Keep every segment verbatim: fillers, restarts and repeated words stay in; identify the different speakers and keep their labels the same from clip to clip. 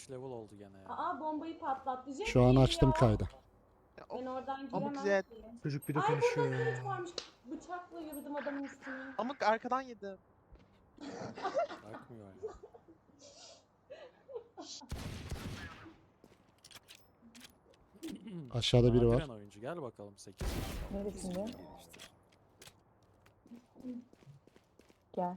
Speaker 1: beş level oldu gene ya.
Speaker 2: Aa bombayı patlattı. Jet
Speaker 3: Şu an
Speaker 2: geliyor.
Speaker 3: açtım kaydı.
Speaker 4: Ya,
Speaker 2: Ben
Speaker 4: of,
Speaker 2: oradan
Speaker 4: Amık
Speaker 2: giremem
Speaker 4: Jet.
Speaker 2: ki.
Speaker 5: Çocuk bir de
Speaker 2: Ay
Speaker 5: konuşuyor
Speaker 2: burada
Speaker 5: ya.
Speaker 2: Jet varmış. Bıçakla yürüdüm adamın üstüne.
Speaker 4: Amık arkadan yedi.
Speaker 1: Bakmıyor yani.
Speaker 3: Aşağıda biri var.
Speaker 1: Nadiren oyuncu gel bakalım sekiz.
Speaker 6: Neresinde? Gel.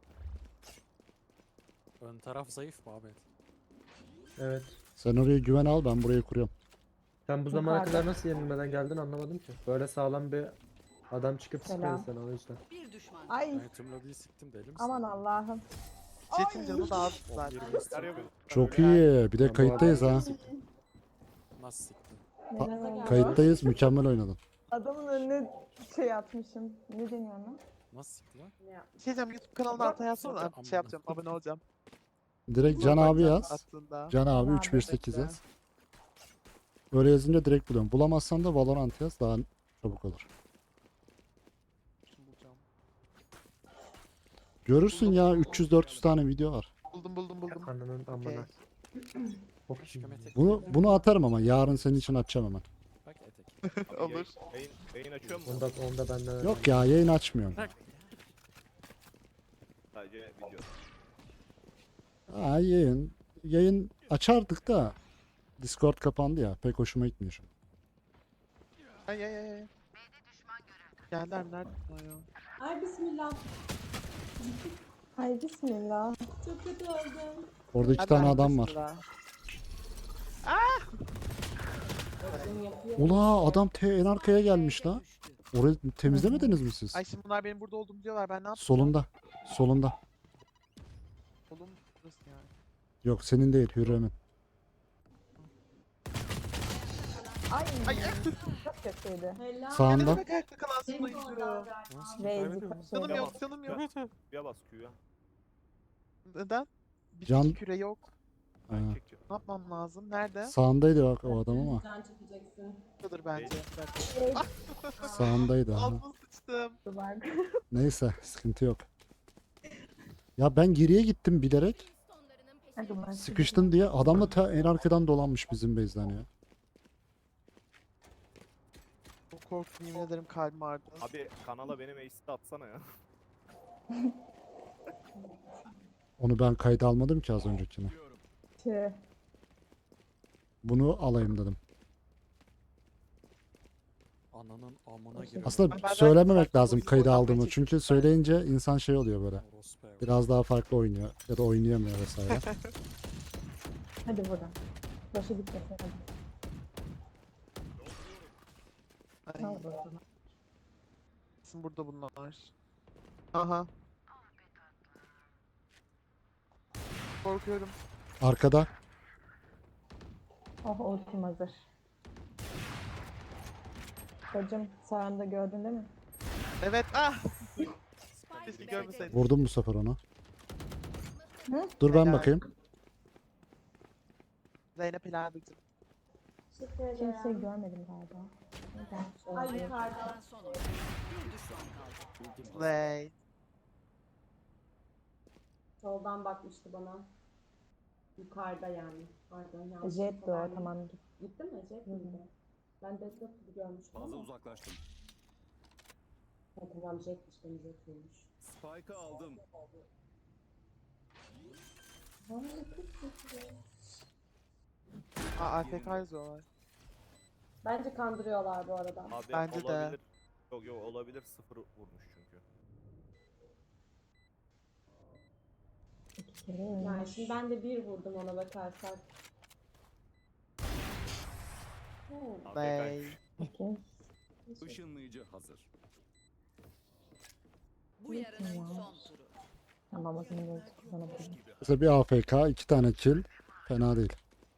Speaker 1: Ön taraf zayıf mı Ahmet?
Speaker 5: Evet.
Speaker 3: Sen oraya güven al, ben burayı kuruyorum.
Speaker 5: Sen bu zamana
Speaker 6: Yukarıda.
Speaker 5: kadar nasıl yenilmeden geldin anlamadım ki. Böyle sağlam bir adam çıkıp
Speaker 6: Selam.
Speaker 5: sıkıyor sana o yüzden.
Speaker 7: Bir düşman.
Speaker 6: Ay
Speaker 1: Ben tüm lobiyi siktim deli misin?
Speaker 6: aman Allah'ım.
Speaker 4: Jet'in canı da az
Speaker 1: On
Speaker 4: zaten.
Speaker 1: yirmi istiyor.
Speaker 3: Çok iyi. Bir de
Speaker 5: bu
Speaker 3: kayıttayız ha.
Speaker 1: Nasıl siktin?
Speaker 6: Neler oldu?
Speaker 3: Kayıttayız. Mükemmel oynadın.
Speaker 6: Adamın önüne şey atmışım. Ne deniyor ona?
Speaker 1: Nasıl siktin lan?
Speaker 2: Ne yapmış?
Speaker 4: Şey diyeceğim, YouTube kanalına altına yazsana.
Speaker 1: Amına.
Speaker 4: Şey yapacağım, abone olacağım.
Speaker 3: Direkt Can abi yaz.
Speaker 4: Aslında.
Speaker 3: Can abi
Speaker 6: Can
Speaker 3: üç bir sekiz
Speaker 4: bekle.
Speaker 3: yaz. Öyle yazınca direkt buluyorum. Bulamazsan da Valorant yaz, daha çabuk olur.
Speaker 4: Bulacağım.
Speaker 3: Görürsün ya, üç yüz dört yüz tane video var.
Speaker 4: Buldum buldum buldum.
Speaker 5: Ananın
Speaker 4: Okey.
Speaker 5: amına. Hop.
Speaker 1: Aşkım etek.
Speaker 3: Bunu bunu atarım ama yarın senin için atacağım hemen.
Speaker 1: Bak etek.
Speaker 4: Olur.
Speaker 8: Yayın, yayın açıyor mu?
Speaker 5: Onda, onda benden.
Speaker 3: Yok ya, yayın açmıyorum.
Speaker 1: Bak.
Speaker 8: Sadece video.
Speaker 3: Ha, yayın. Yayın açardık da Discord kapandı ya. Pek hoşuma gitmiyor şu an.
Speaker 4: Ay ay ay. ay. Geldiler mi? Nerede bunlar ya?
Speaker 2: Ay bismillah.
Speaker 6: Ay bismillah.
Speaker 2: Çok kötü oldum.
Speaker 3: Orada iki
Speaker 4: Hadi
Speaker 3: tane
Speaker 4: ben
Speaker 3: adam var.
Speaker 4: sıra.
Speaker 2: Bakın yapıyor.
Speaker 3: Ula adam te en arkaya gelmiş la. Orayı temizlemediniz mi siz?
Speaker 4: Ay şimdi bunlar benim burada olduğumu diyorlar. Ben ne yapayım?
Speaker 3: Solunda. Solunda.
Speaker 4: Solum burası yani.
Speaker 3: Yok senin değil, Hürrem'in.
Speaker 6: Ay,
Speaker 4: Ay
Speaker 6: çok kötüydü.
Speaker 2: Helal.
Speaker 3: Sağında.
Speaker 4: ne demek ayakta kalan
Speaker 2: Senin
Speaker 4: sulayı
Speaker 2: oradan
Speaker 4: duruyor.
Speaker 2: galiba.
Speaker 1: Nasıl
Speaker 6: Reis
Speaker 1: kaybediyor musun?
Speaker 4: Canım
Speaker 6: şey.
Speaker 4: yok canım yok.
Speaker 8: Q'ya bas Q'ya.
Speaker 4: Neden? Bir
Speaker 3: Can-
Speaker 4: iki küre yok.
Speaker 3: Ha.
Speaker 8: Ben çekeceğim.
Speaker 4: Ne yapmam lazım? Nerede?
Speaker 3: Sağındaydı bak o adam ama.
Speaker 2: Can çekeceksin.
Speaker 4: Buradadır bence.
Speaker 3: Sağındaydı. ha.
Speaker 4: Altıma sıçtım.
Speaker 6: Var.
Speaker 3: Neyse sıkıntı yok. Ya ben geriye gittim bilerek.
Speaker 6: Hadi ben
Speaker 3: Sıkıştın diye adam da ta en arkadan dolanmış bizim base'den ya.
Speaker 4: Çok korktum, yemin ederim kalbim ağrıdı.
Speaker 8: Abi kanala benim ace'i atsana ya.
Speaker 3: Onu ben kayda almadım ki az öncekini.
Speaker 6: Tüh.
Speaker 3: Bunu alayım dedim.
Speaker 1: Ananın amına giriyor.
Speaker 3: Aslında
Speaker 4: Ben- ben-
Speaker 3: söylememek
Speaker 4: ben-
Speaker 3: lazım
Speaker 4: ben-
Speaker 3: kayda
Speaker 4: ben-
Speaker 3: aldığımı.
Speaker 4: ben-
Speaker 3: Çünkü söyleyince insan şey oluyor böyle.
Speaker 1: Orospu evladı.
Speaker 3: Biraz daha farklı oynuyor ya da oynayamıyor vesaire.
Speaker 6: Hadi buradan. Başı gitmesin hadi.
Speaker 4: Ay,
Speaker 6: Al buradan.
Speaker 4: kesin burada bunlar. Aha. Korkuyorum.
Speaker 3: Arkada.
Speaker 6: Oh ultim hazır. Bacım sağında gördün değil mi?
Speaker 4: Evet, ah!
Speaker 7: Spike
Speaker 4: Keşke
Speaker 7: B'de
Speaker 4: görmeseydim.
Speaker 3: Vurdum bu sefer onu.
Speaker 6: Hı?
Speaker 3: Dur ben
Speaker 4: Helal.
Speaker 3: bakayım.
Speaker 4: Zeynep Hilal'cim.
Speaker 2: Teşekkür ederim.
Speaker 6: Kimseyi görmedim galiba. Neden?
Speaker 2: Ay
Speaker 7: Ayakta
Speaker 2: yukarıda.
Speaker 7: kalan son oyuncu. Bir düşman kaldı.
Speaker 4: Slay.
Speaker 2: Soldan bakmıştı bana. Yukarıda yani. Pardon yanlış.
Speaker 6: Jet de o
Speaker 2: verdim.
Speaker 6: tamam git.
Speaker 2: Gitti mi Jet miydi? Ben Deadlock gibi görmüştüm
Speaker 9: Fazla
Speaker 2: ama.
Speaker 9: uzaklaştım.
Speaker 2: Ha, tamam Jet'miş beni Jet'miş.
Speaker 9: Spike'ı aldım.
Speaker 4: Aa, A F K yazıyorlar.
Speaker 2: Bence kandırıyorlar bu arada.
Speaker 8: Abi
Speaker 4: Bence de.
Speaker 8: olabilir. Yok yok olabilir, sıfır vurmuş çünkü.
Speaker 6: İki kere
Speaker 2: Yani
Speaker 6: ölmüş.
Speaker 2: şimdi ben de bir vurdum ona bakarsak. Hmm.
Speaker 4: Slay.
Speaker 6: İki.
Speaker 9: Işınlayıcı hazır.
Speaker 7: Bu yarının son turu.
Speaker 6: Tamam o zaman ulti kullanabilirim.
Speaker 3: Mesela bir A F K, iki tane kill. Fena değil.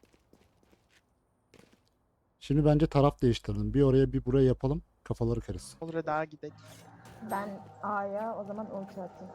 Speaker 3: Şimdi bence taraf değiştirelim. Bir oraya bir buraya yapalım. Kafaları karışsın.
Speaker 4: Olur hadi daha gidelim.
Speaker 6: Ben A'ya o zaman ulti atayım.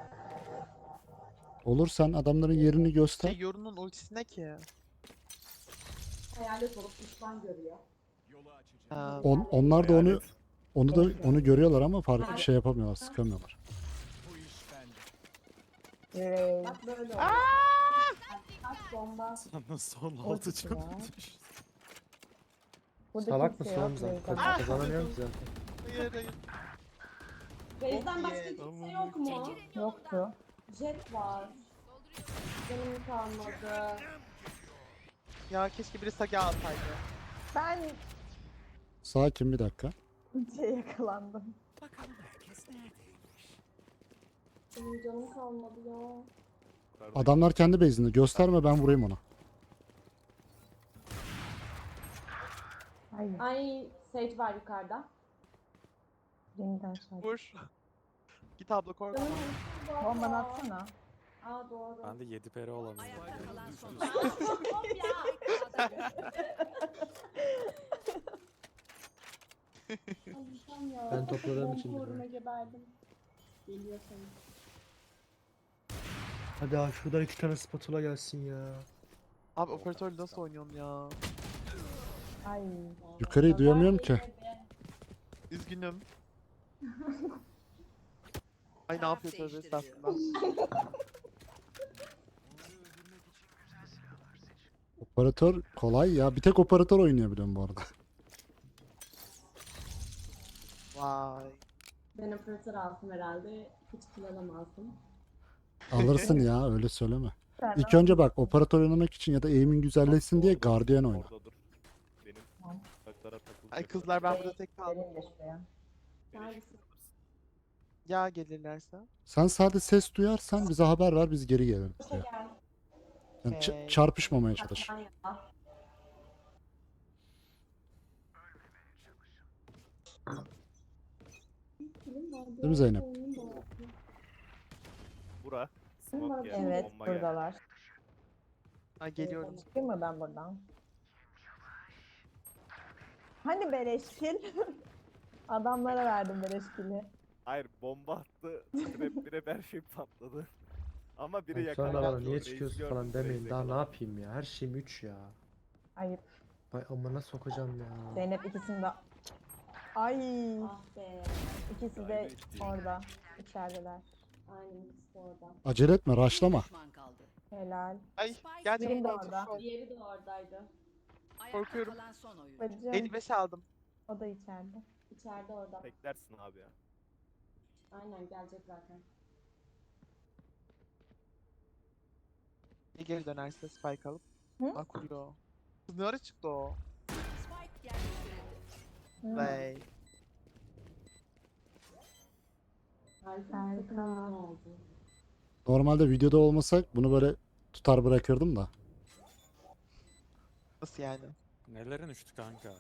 Speaker 3: Olur, sen adamların yerini
Speaker 4: Şey,
Speaker 3: göster.
Speaker 4: Yorun'un ultisi ne ki?
Speaker 2: Hayalet olup düşman görüyor.
Speaker 4: Ha,
Speaker 3: On, onlar da onu
Speaker 8: Hayalet.
Speaker 3: onu da onu görüyorlar ama farklı bir şey yapamıyorlar, sıkamıyorlar.
Speaker 6: Rey.
Speaker 2: Bak böyle oluyor. bomba.
Speaker 1: Sana son
Speaker 6: O
Speaker 1: altı
Speaker 6: gitti
Speaker 1: canı
Speaker 6: ya.
Speaker 1: düştü.
Speaker 6: Burada
Speaker 5: Salak
Speaker 6: kimse
Speaker 5: mısın
Speaker 6: yok.
Speaker 5: oğlum sen?
Speaker 6: Beyza.
Speaker 5: Kaz- Kazanamıyorum ki zaten.
Speaker 4: Hayır hayır.
Speaker 2: Base'den
Speaker 4: Çok
Speaker 2: başka
Speaker 4: iyi.
Speaker 2: kimse yok mu?
Speaker 6: Yoktu.
Speaker 2: Jet var. Canım kalmadı.
Speaker 4: Ya keşke biri Sage alsaydı.
Speaker 6: Ben
Speaker 3: Sakin bir dakika.
Speaker 6: şey yakalandım.
Speaker 2: Benim canım kalmadı ya.
Speaker 3: Adamlar kendi base'inde. Gösterme, ben vurayım ona.
Speaker 6: Hayır.
Speaker 2: Ay Sage var yukarıda.
Speaker 6: Yeniden aşağı.
Speaker 4: Vur. Git abla korkma.
Speaker 2: Canım kalmadı.
Speaker 6: Bombanı atsana.
Speaker 2: Aa doğru.
Speaker 1: Ben de yedi peri olamıyorum.
Speaker 7: Ayakta kalan son
Speaker 9: Düştü.
Speaker 7: oyuncu.
Speaker 2: Hop ya. Allah'ım ya.
Speaker 5: Ben topladığım
Speaker 2: Bomba
Speaker 5: için
Speaker 2: uğruna
Speaker 5: biliyorum.
Speaker 2: geberdim. Geliyor sanırım.
Speaker 5: Hadi abi şuradan iki tane spatula gelsin ya.
Speaker 4: Abi operatörle nasıl oynuyorsun ya?
Speaker 6: Ay.
Speaker 3: Yukarıyı duyamıyorum ki.
Speaker 4: Üzgünüm. Ay ne
Speaker 7: Taraf
Speaker 4: yapıyor tövbe
Speaker 7: değiştiriliyor.
Speaker 4: estağfurullah.
Speaker 3: Operatör kolay ya. Bir tek operatör oynuyor biliyorum bu arada.
Speaker 4: Vay.
Speaker 2: Ben operatör alsam herhalde hiç kill alamazdım.
Speaker 3: Alırsın ya, öyle söyleme.
Speaker 6: Sen
Speaker 3: İlk önce bak, operatör oynamak için ya da aim'in güzelleşsin diye Guardian oyna.
Speaker 8: Orada dur. Benim
Speaker 6: Tamam.
Speaker 8: taklara takılacak.
Speaker 4: Ay kızlar ben burada tek kaldım.
Speaker 6: Benim de şuraya.
Speaker 2: Neredesin?
Speaker 4: Ya gelirlerse.
Speaker 3: Sen sadece ses duyarsan bize haber ver, biz geri geliriz
Speaker 2: Başa
Speaker 3: ya.
Speaker 2: gel.
Speaker 3: Yani ç-
Speaker 4: Okey.
Speaker 3: çarpışmamaya çalış.
Speaker 2: Saklan ya.
Speaker 3: Değil mi Zeynep?
Speaker 8: Bura. Smoke geldi.
Speaker 6: Evet
Speaker 8: Bomba geldi.
Speaker 6: buradalar.
Speaker 4: Ay geliyorum.
Speaker 6: Çıkayım mı ben buradan? Hani beleşkil? Adamlara verdim beleşkili.
Speaker 8: Hayır bomba attı. Trap bire her şey patladı. Ama biri
Speaker 5: Ay, Sonra
Speaker 8: yakaladı.
Speaker 5: bana niye
Speaker 8: Reis
Speaker 5: çıkıyorsun
Speaker 8: gördüm,
Speaker 5: falan demeyin.
Speaker 8: reis
Speaker 5: Daha ne
Speaker 8: yakaladı.
Speaker 5: yapayım ya? Her şeyim üç ya.
Speaker 6: Ayıp.
Speaker 5: Vay amına sokacağım ya.
Speaker 6: Zeynep ikisini de... Ay,
Speaker 2: Ah be.
Speaker 6: ikisi de orada. İçerideler.
Speaker 2: Aynen ikisi de orada.
Speaker 3: Acele etme, raşlama.
Speaker 7: Düşman kaldı.
Speaker 6: Helal.
Speaker 4: Ay
Speaker 7: Spike
Speaker 4: gerçekten
Speaker 6: Benim de
Speaker 4: otur
Speaker 6: orada.
Speaker 4: şu an.
Speaker 2: Diğeri de oradaydı.
Speaker 7: Ayakta
Speaker 4: Korkuyorum.
Speaker 7: kalan son oyuncu.
Speaker 6: Bacım.
Speaker 4: elli beş aldım.
Speaker 6: O da içeride.
Speaker 2: İçeride orada.
Speaker 8: Beklersin abi ya.
Speaker 2: Aynen gelecek zaten.
Speaker 4: Bir geri dönerse spike alıp.
Speaker 6: Hı?
Speaker 4: Bak kuruyor. Kız ne ara çıktı o?
Speaker 7: Spike yerleştirildi.
Speaker 6: Hı.
Speaker 4: Vay.
Speaker 2: Harika.
Speaker 6: Harika.
Speaker 2: Takım ne oldu?
Speaker 3: Normalde videoda olmasak bunu böyle tutar bırakırdım da.
Speaker 4: Nasıl yani?
Speaker 1: Nelerin uçtu kanka?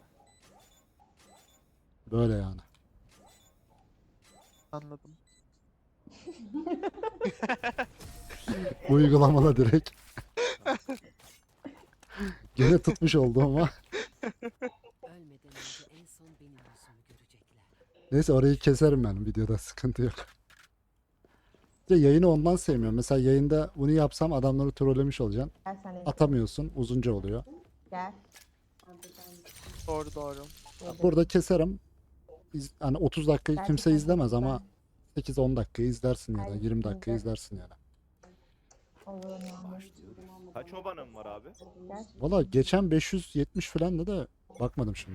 Speaker 3: Böyle yani.
Speaker 4: Anladım.
Speaker 3: Uygulamada direkt. Gene tutmuş oldu ama.
Speaker 7: Ölmeden önce en son benim yüzümü görecekler.
Speaker 3: Neyse, orayı keserim ben videoda, sıkıntı yok. İşte yayını ondan sevmiyorum. Mesela yayında bunu yapsam adamları trollemiş olacaksın.
Speaker 6: Gel sen de.
Speaker 3: Atamıyorsun, uzunca oluyor.
Speaker 6: Gel.
Speaker 2: Hadi ben.
Speaker 4: Doğru doğru.
Speaker 3: Burada keserim. İz- hani otuz dakikayı kimse
Speaker 6: Gerçekten
Speaker 3: izlemez ama
Speaker 6: güzel.
Speaker 3: sekiz on dakikayı izlersin ya da
Speaker 6: Ay,
Speaker 3: yirmi dakika
Speaker 6: güzel.
Speaker 3: izlersin yani.
Speaker 6: Olur mu?
Speaker 8: Kaç obanın var abi?
Speaker 6: Gel.
Speaker 3: Valla geçen beş yüz yetmiş falan da da bakmadım şimdi.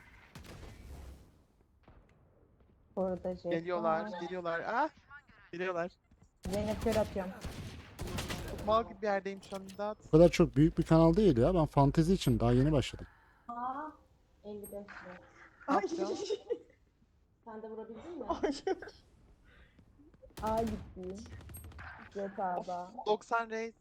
Speaker 6: Burada jet
Speaker 4: Geliyorlar,
Speaker 6: var.
Speaker 4: geliyorlar. Ah! Geliyorlar.
Speaker 6: Zeynep kör atıyorum.
Speaker 4: Çok mal gibi bir yerdeyim şu an imdat.
Speaker 3: Bu kadar çok büyük bir kanal değil ya. Ben fantezi için daha yeni başladım.
Speaker 2: Aa. elli beş lira.
Speaker 4: Ne yapacağım?
Speaker 2: Sen de vurabildin mi?
Speaker 6: A gitti. Jet A'da.
Speaker 4: doksan reis.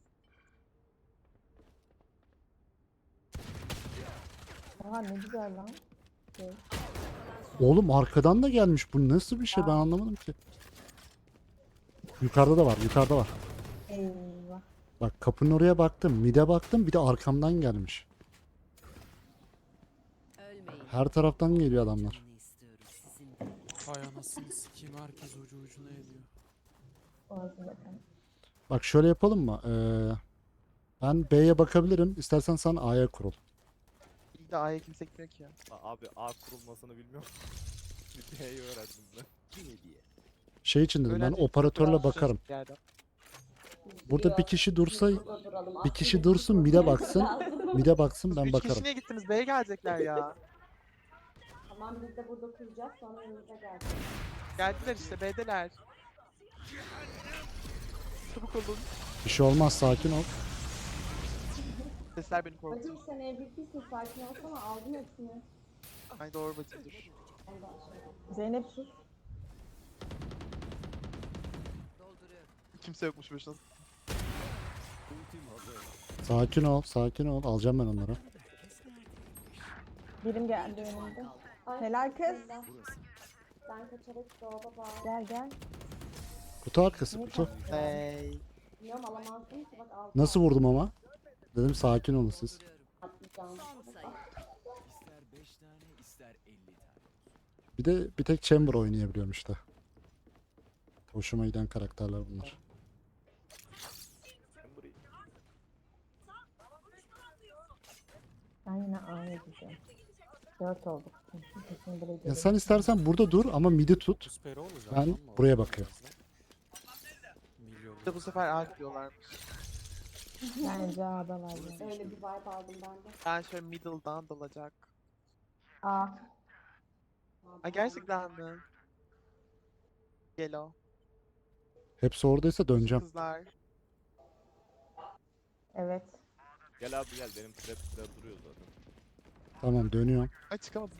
Speaker 6: Oha ne güzel lan. Şey.
Speaker 3: Oğlum arkadan da gelmiş. Bu nasıl bir şey, ben anlamadım ki. Yukarıda da var, yukarıda var.
Speaker 6: Eyvah.
Speaker 3: Bak kapının oraya baktım, mide baktım, bir de arkamdan gelmiş.
Speaker 7: Ölmeyin.
Speaker 3: Her taraftan geliyor adamlar.
Speaker 7: Canını istiyorum sizin de.
Speaker 1: Ay anasını sikeyim, herkes ucu ucuna ediyor.
Speaker 6: Boğazım bakın.
Speaker 3: Bak şöyle yapalım mı? Ee, ben B'ye bakabilirim. İstersen sen A'ya kurul.
Speaker 4: İyi de A'ya kimse gitmiyor ki ya.
Speaker 8: A- Abi A kurulmasını bilmiyorum. Bir B'yi öğrendim ben.
Speaker 9: Bir hediye.
Speaker 3: Şey için dedim, ben
Speaker 4: Öğrenci
Speaker 3: operatörle
Speaker 4: biraz
Speaker 3: bakarım.
Speaker 4: bir yerden.
Speaker 3: Burada bir kişi dursa,
Speaker 2: Burada duralım.
Speaker 3: bir kişi
Speaker 2: Aslında
Speaker 3: dursun,
Speaker 2: bizim
Speaker 3: mide baksın.
Speaker 2: lazım.
Speaker 3: Mide baksın, ben
Speaker 4: Üç
Speaker 3: bakarım.
Speaker 4: kişi niye gittiniz? B'ye gelecekler ya.
Speaker 2: Tamam biz de burada kuracağız sonra yanımıza gelecek.
Speaker 4: Geldiler işte B'deler. Çabuk olun.
Speaker 3: Bir şey olmaz, sakin ol.
Speaker 4: Sesler beni korkutuyor.
Speaker 2: Bacım sen M V P'sin sakin olsana aldın hepsini.
Speaker 4: Ay doğru bacım dur.
Speaker 2: Ondan sonra.
Speaker 6: Zeynep sus.
Speaker 7: Dolduruyorum.
Speaker 4: Kimse yokmuş başına.
Speaker 9: Ultim hazır.
Speaker 3: Sakin ol, sakin ol. Alacağım ben onları.
Speaker 6: Birim geldi önümde.
Speaker 2: Ay,
Speaker 6: Helal kız.
Speaker 2: bismillah.
Speaker 9: Burası.
Speaker 2: Ben kaçarak dolaba bağlı.
Speaker 6: Gel gel.
Speaker 3: Kutu arkası, kutu.
Speaker 4: Hey.
Speaker 2: Bilmiyorum alamazdım ki bak aldım.
Speaker 3: Nasıl vurdum ama? Dedim sakin olun siz.
Speaker 7: Dolduruyorum.
Speaker 2: Atlayacağım.
Speaker 7: Son sayı.
Speaker 9: İster beş tane ister elli tane.
Speaker 3: Bir de bir tek Chamber oynayabiliyorum işte. Hoşuma giden karakterler bunlar.
Speaker 8: Ben burayı.
Speaker 6: Ben yine A'ya gideceğim. Dört olduk. Kesin buraya
Speaker 3: Ya
Speaker 6: gidelim.
Speaker 3: sen istersen burada dur ama midi tut.
Speaker 1: Prospero olacak.
Speaker 3: Ben
Speaker 1: lan mı
Speaker 3: buraya
Speaker 1: orada
Speaker 3: bakıyorum.
Speaker 1: birazdan? Milyon.
Speaker 4: Bir de bu sefer A gidiyorlarmış.
Speaker 6: Bence A'da var yani.
Speaker 2: Öyle bir vibe aldım ben de.
Speaker 4: Ben şöyle middle'dan dalacak.
Speaker 6: A.
Speaker 4: Ay gerçekten mi? Gelo.
Speaker 3: Hepsi oradaysa döneceğim.
Speaker 4: Kızlar.
Speaker 6: Evet.
Speaker 8: Gel abi gel benim trap trap duruyor zaten.
Speaker 3: Tamam, dönüyorum.
Speaker 4: Ay çıkamadım.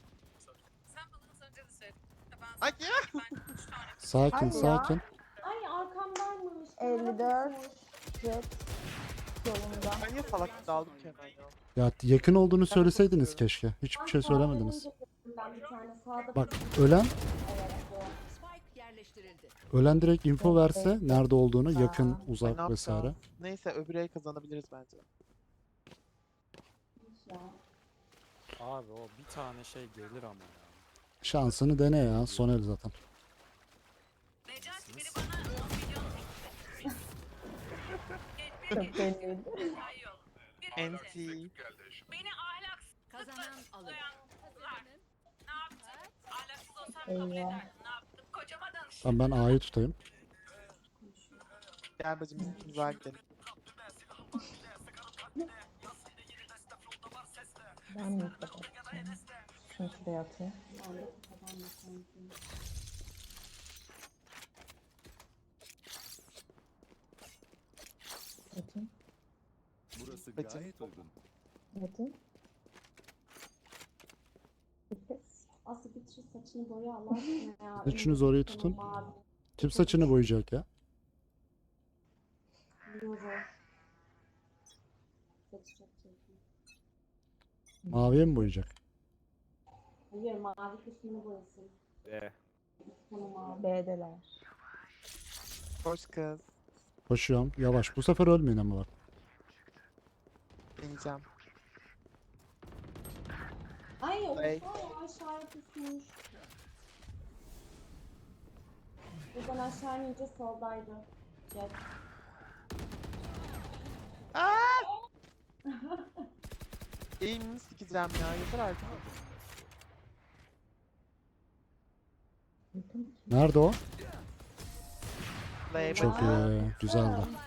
Speaker 4: Ay ya.
Speaker 3: Sakin,
Speaker 6: Hadi ya.
Speaker 3: sakin.
Speaker 2: Ay arkamdaymış.
Speaker 6: elli dört. Jet. Yolunda.
Speaker 4: Ben niye salak gibi daldım ki hemen ya.
Speaker 3: Ya yakın olduğunu söyleseydiniz
Speaker 4: korkuyorum.
Speaker 3: keşke. Hiçbir
Speaker 2: Ay,
Speaker 3: şey
Speaker 2: sağdan
Speaker 3: söylemediniz.
Speaker 2: önce Ben bir tane sağda
Speaker 3: Bak,
Speaker 2: bir-
Speaker 3: ölen
Speaker 2: Evet, bu.
Speaker 7: Spike yerleştirildi.
Speaker 3: ölen direkt info verse nerede olduğunu, yakın,
Speaker 6: Aa.
Speaker 4: Ay, ne
Speaker 3: uzak vesaire.
Speaker 4: yapacağız? Neyse öbürü el kazanabiliriz bence.
Speaker 2: Ya.
Speaker 1: Abi o bir tane şey gelir ama ya.
Speaker 3: Şansını dene ya. Son el zaten.
Speaker 6: Çok belliydi.
Speaker 4: N T.
Speaker 7: Kazanan alır.
Speaker 6: Eyvah.
Speaker 3: Tamam, ben A'yı tutayım.
Speaker 4: Gel bacım biz ikimiz var gidelim.
Speaker 6: Ben mi kapatacağım? Şunu şuraya atayım.
Speaker 2: Ben de kafadan bakıyorum.
Speaker 6: Atayım.
Speaker 9: Burası
Speaker 4: Bacım.
Speaker 9: gayet uygun.
Speaker 6: Atayım. Bir kez.
Speaker 2: Aslı bitir saçını boya Allah aşkına ya.
Speaker 3: Üçünüz orayı tutun.
Speaker 2: Mavi.
Speaker 3: Kim saçını boyayacak ya?
Speaker 2: Yoru. Saçı çok çirkin.
Speaker 3: Maviye mi boyayacak?
Speaker 2: Hayır mavi kısmını boyasın.
Speaker 8: Ee,
Speaker 2: Tamam mavi.
Speaker 6: B'deler.
Speaker 4: Hoş kız.
Speaker 3: Koşuyorum. Yavaş. Bu sefer ölmeyin ama bak.
Speaker 4: İneceğim.
Speaker 2: Ay o
Speaker 4: Ay.
Speaker 2: ay aşağıya pusmuş. Buradan aşağı inince soldaydı. Jet.
Speaker 4: Eğimini sikeceğim ya. Yeter artık.
Speaker 3: Nerede o?
Speaker 4: Play
Speaker 3: Çok
Speaker 4: bacım.
Speaker 3: iyi. Güzeldi.